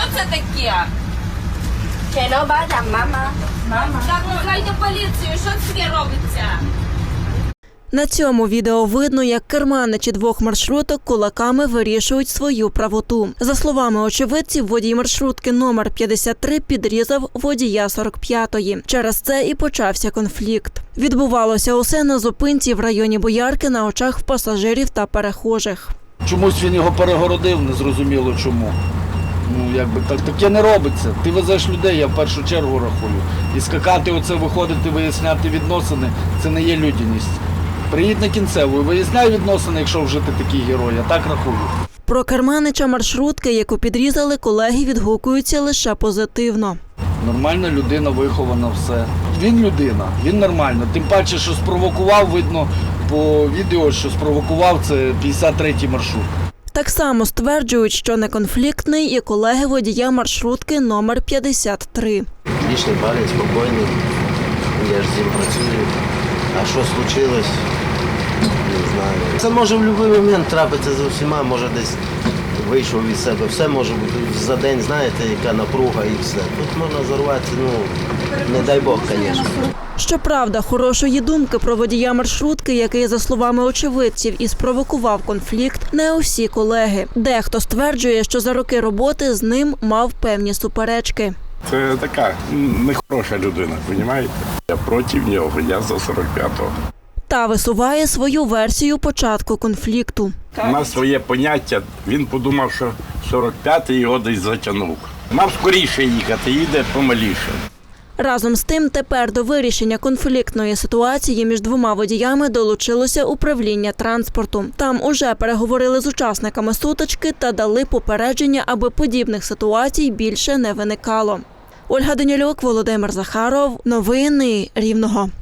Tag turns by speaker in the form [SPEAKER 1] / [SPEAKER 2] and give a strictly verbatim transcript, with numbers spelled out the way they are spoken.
[SPEAKER 1] це таке?
[SPEAKER 2] Hello, бадам, мама. Мама.
[SPEAKER 1] Так, викликайте поліцію, що це таке робиться?
[SPEAKER 3] На цьому відео видно, як керманичі двох маршруток кулаками вирішують свою правоту. За словами очевидців, водій маршрутки номер п'ятдесят три підрізав водія сорок п'ятої. Через це і почався конфлікт. Відбувалося усе на зупинці в районі Боярки на очах в пасажирів та перехожих.
[SPEAKER 4] Чомусь він його перегородив, незрозуміло чому. Ну, якби так, таке не робиться. Ти везеш людей, я в першу чергу рахую. І скакати оце, виходити, виясняти відносини – це не є людяність. Приїдь на кінцеву і виясняй відносини, якщо вже ти такий герой, я так рахую.
[SPEAKER 3] Про керманича маршрутки, яку підрізали, колеги відгукуються лише позитивно.
[SPEAKER 4] Нормальна людина, вихована, все. Він людина, він нормально. Тим паче, що спровокував, видно по відео, що спровокував, це п'ятдесят третій маршрут.
[SPEAKER 3] Так само стверджують, що неконфліктний і колеги водія маршрутки номер п'ятдесят три.
[SPEAKER 5] Лічний парень, спокійний, я ж з ним працюю. А що случилось, не знаю. Це може в будь-який момент трапитися з усіма, може десь вийшов від себе. Все може бути за день, знаєте, яка напруга і все. Тут можна зарватися, ну, не дай Бог, звісно.
[SPEAKER 3] Щоправда, хорошої думки про водія маршрутки, який, за словами очевидців, і спровокував конфлікт, не усі колеги. Дехто стверджує, що за роки роботи з ним мав певні суперечки.
[SPEAKER 6] Це така нехороша людина, розумієте? Я проти нього, я за сорок п'ятого.
[SPEAKER 3] Та висуває свою версію початку конфлікту.
[SPEAKER 6] У нас своє поняття, він подумав, що сорок п'ятий його десь затягнув. Мав скоріше їхати, їде помаліше.
[SPEAKER 3] Разом з тим, тепер до вирішення конфліктної ситуації між двома водіями долучилося управління транспорту. Там уже переговорили з учасниками сутички та дали попередження, аби подібних ситуацій більше не виникало. Ольга Данілюк, Володимир Захаров. Новини Рівного.